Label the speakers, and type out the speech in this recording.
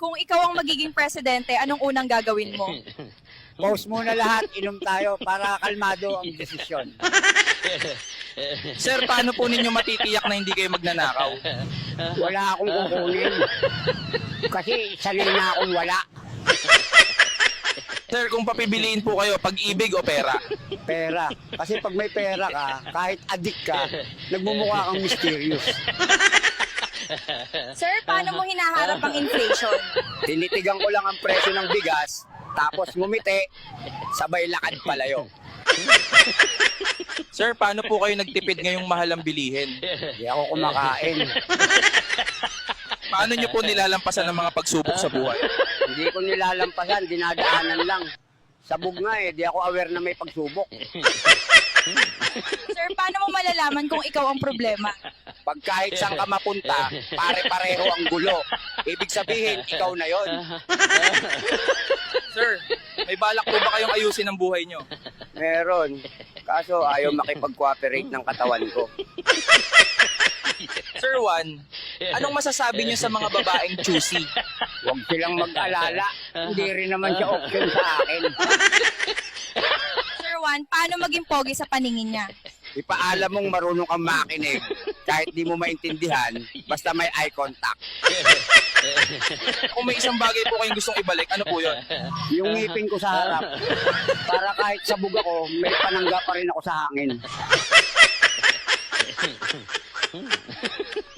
Speaker 1: Kung ikaw ang magiging presidente, anong unang gagawin mo?
Speaker 2: Pause muna lahat, inom tayo para kalmado ang desisyon.
Speaker 3: Sir, paano po ninyo matitiyak na hindi kayo magnanakaw?
Speaker 2: Wala akong kukunin. Kasi sanay na akong wala.
Speaker 3: Sir, kung papibiliin po kayo, pag-ibig o pera?
Speaker 2: Pera. Kasi pag may pera ka, kahit adik ka, nagmumukha kang mysterious.
Speaker 1: Sir, paano mo hinaharap ang inflation?
Speaker 2: Tinitigan ko lang ang presyo ng bigas, tapos ngumiti, sabay lakad palayo.
Speaker 3: Sir, paano po kayo nagtipid ngayong mahal ang bilihin?
Speaker 2: Hindi ako kumakain.
Speaker 3: Paano nyo po nilalampasan ang mga pagsubok sa buhay?
Speaker 2: Hindi ko nilalampasan, dinadaanan lang. Sabog nga di ako aware na may pagsubok.
Speaker 1: Sir, paano mo malalaman kung ikaw ang problema?
Speaker 2: Pag kahit saan ka mapunta, pare-pareho ang gulo. Ibig sabihin, ikaw na yon.
Speaker 3: Sir, may balak po ba kayong ayusin ang buhay nyo?
Speaker 2: Meron. Kaso ayaw makipag-cooperate ng katawan ko.
Speaker 3: Sir Juan, anong masasabi nyo sa mga babaeng choosy?
Speaker 2: Huwag silang mag-alala. Hindi rin naman siya option sa akin.
Speaker 1: Sir Juan, paano maging pogi sa paningin niya?
Speaker 2: Ipaalam mong marunong kang makinig kahit di mo maintindihan, basta may eye contact.
Speaker 3: Kung may isang bagay po kayong gustong ibalik, ano po yun?
Speaker 2: Yung ngipin ko sa harap, para kahit sabog ako, may panangga pa rin ako sa hangin.